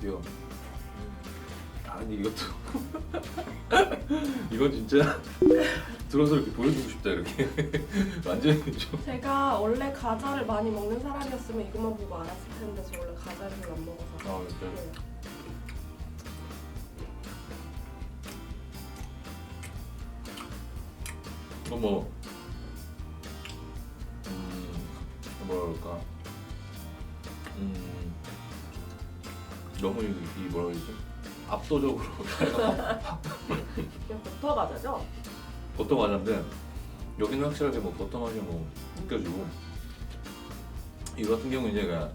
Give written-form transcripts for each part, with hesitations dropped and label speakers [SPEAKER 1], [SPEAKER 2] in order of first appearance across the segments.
[SPEAKER 1] 드디어. 아니 이것도 이건 진짜 들어서 이렇게 보여주고 싶다 이렇게 완전히 좀.
[SPEAKER 2] 제가 원래 과자를 많이 먹는 사람이었으면 이것만 보고 알았을 텐데 저 원래 과자를 별로 안 먹어서.
[SPEAKER 1] 아 진짜.
[SPEAKER 2] 네.
[SPEAKER 1] 이거 뭐 뭐라 그럴까? 너무 이 뭐라 그러지? 압도적으로
[SPEAKER 2] 그냥 버터 과자죠?
[SPEAKER 1] 버터 과자인데 여기는 확실하게 뭐 버터 맛이 뭐 느껴지고 이거 같은 경우는 이제 그냥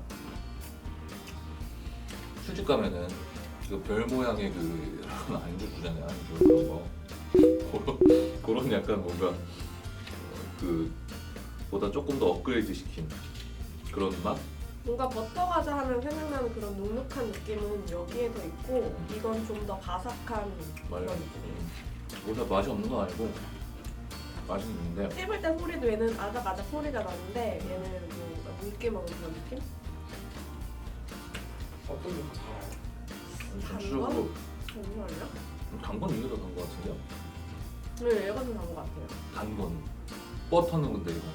[SPEAKER 1] 술집 가면은 그 별 모양의 그 안주 주잖아요. 안주 그런 거 그런 약간 뭔가 그 보다 조금 더 업그레이드 시킨 그런 맛?
[SPEAKER 2] 뭔가 버터 과자 하면 생각나는 그런 눅눅한 느낌은 여기에 더 있고 이건 좀 더 바삭한
[SPEAKER 1] 맞아요.
[SPEAKER 2] 그런 느낌.
[SPEAKER 1] 보다 맛이 없는 건 아니고 맛은 있는데
[SPEAKER 2] 씹을 때 소리도 얘는 아작아작 소리가 나는데 얘는 뭔가 묽게 먹는 그런 느낌?
[SPEAKER 3] 어떤 게 더 달아요?
[SPEAKER 1] 전체적으로
[SPEAKER 2] 정말요?
[SPEAKER 1] 단건 이게 더 단 것 같은데요?
[SPEAKER 2] 네, 얘가 더 나은 것 같아요.
[SPEAKER 1] 단 건. 버터는 근데 이거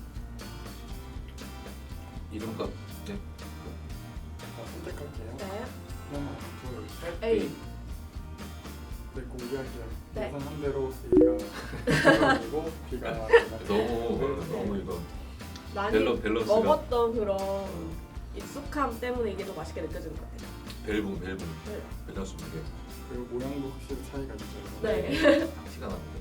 [SPEAKER 1] 이름값 네.
[SPEAKER 3] 선택할게요.
[SPEAKER 2] 네.
[SPEAKER 3] 하나, 둘, 셋.
[SPEAKER 2] A.
[SPEAKER 3] 네, 공개할게요.
[SPEAKER 2] 네.
[SPEAKER 3] 예상한 대로 A가 B고 B가
[SPEAKER 1] 너무 이거
[SPEAKER 2] 많이
[SPEAKER 1] 밸런스가
[SPEAKER 2] 먹었던 그런 익숙함 때문에 이게 더 맛있게 느껴지는 것 같아요.
[SPEAKER 1] 벨붕
[SPEAKER 2] 네.
[SPEAKER 1] 밸런스 무게
[SPEAKER 3] 그리고 모양도 확실히 차이가 있죠.
[SPEAKER 2] 네.
[SPEAKER 1] 티가 납니다.